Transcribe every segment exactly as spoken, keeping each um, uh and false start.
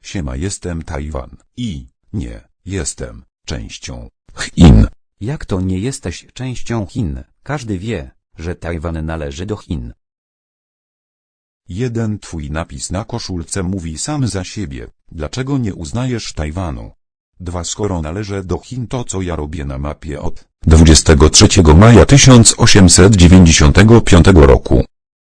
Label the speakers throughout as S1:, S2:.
S1: Siema, jestem Tajwan i nie jestem częścią Chin.
S2: Jak to nie jesteś częścią Chin? Każdy wie, że Tajwan należy do Chin.
S1: Jeden twój napis na koszulce mówi sam za siebie. Dlaczego nie uznajesz Tajwanu? Dwa Skoro należy do Chin, to co ja robię na mapie od dwudziestego trzeciego maja tysiąc osiemset dziewięćdziesiątego piątego roku?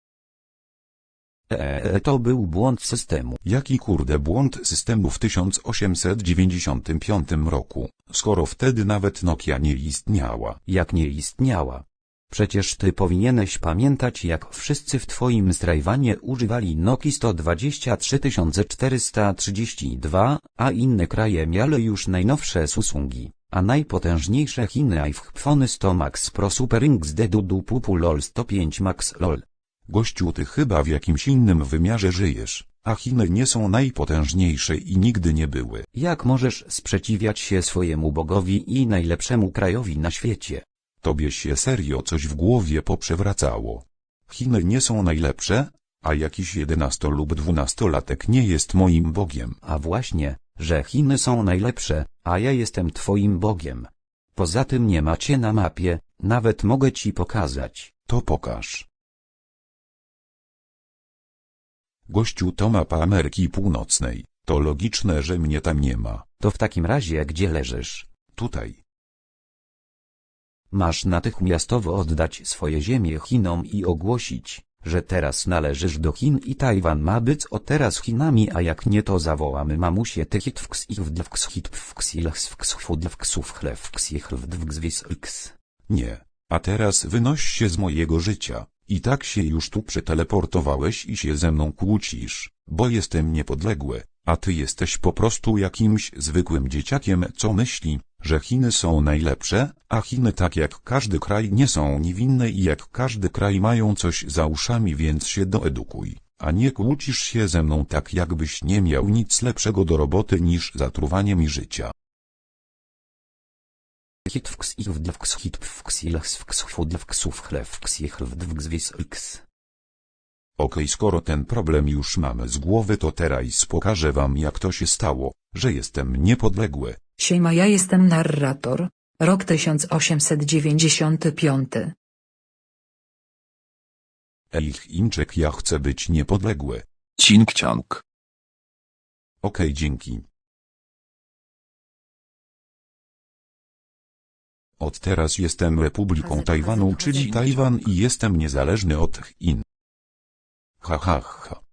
S2: Eee, to był błąd systemu.
S1: Jaki kurde błąd systemu w tysiąc osiemset dziewięćdziesiątym piątym roku, skoro wtedy nawet Nokia nie istniała?
S2: Jak nie istniała? Przecież ty powinieneś pamiętać, jak wszyscy w twoim Tajwanie używali Nokii sto dwadzieścia trzy tysiące czterysta trzydzieści dwa, a inne kraje miały już najnowsze Samsungi, a najpotężniejsze Chiny iPhone sto Max Pro Super X D Dudu Pupu LOL sto pięć Max LOL.
S1: Gościu, ty chyba w jakimś innym wymiarze żyjesz, a Chiny nie są najpotężniejsze i nigdy nie były.
S2: Jak możesz sprzeciwiać się swojemu Bogowi i najlepszemu krajowi na świecie?
S1: Tobie się serio coś w głowie poprzewracało. Chiny nie są najlepsze, a jakiś jedenasto lub dwunastolatek nie jest moim Bogiem.
S2: A właśnie, że Chiny są najlepsze, a ja jestem twoim Bogiem. Poza tym nie macie na mapie, nawet mogę ci pokazać.
S1: To pokaż. Gościu, to mapa Ameryki Północnej. To logiczne, że mnie tam nie ma.
S2: To w takim razie gdzie leżysz?
S1: Tutaj.
S2: Masz natychmiastowo oddać swoje ziemie Chinom i ogłosić, że teraz należysz do Chin i Tajwan ma być od teraz Chinami, a jak nie, to zawołamy mamusie tychitwks ich wdwks hitwks ilchswks fudwksów chlewks ich wdwkswisx.
S1: Nie. A teraz wynoś się z mojego życia. I tak się już tu przeteleportowałeś i się ze mną kłócisz, bo jestem niepodległy, a ty jesteś po prostu jakimś zwykłym dzieciakiem, co myśli, że Chiny są najlepsze, a Chiny tak jak każdy kraj nie są niewinne i jak każdy kraj mają coś za uszami, więc się doedukuj, a nie kłócisz się ze mną tak jakbyś nie miał nic lepszego do roboty niż zatruwanie mi życia.
S2: Hitwks ich wdwks hitwks ilchswks fudwksów chlewks ich wdwkswisx.
S1: Okej, skoro ten problem już mamy z głowy, to teraz pokażę wam, jak to się stało, że jestem niepodległy.
S3: Siema, ja jestem narrator. Rok tysiąc osiemset dziewięćdziesiąty piąty.
S1: Ej, Chińczyk, ja chcę być niepodległy.
S4: Cinkciank.
S1: Okej, dzięki. Od teraz jestem Republiką Tajwanu, czyli Tajwan, i jestem niezależny od Chin. Ha ha ha.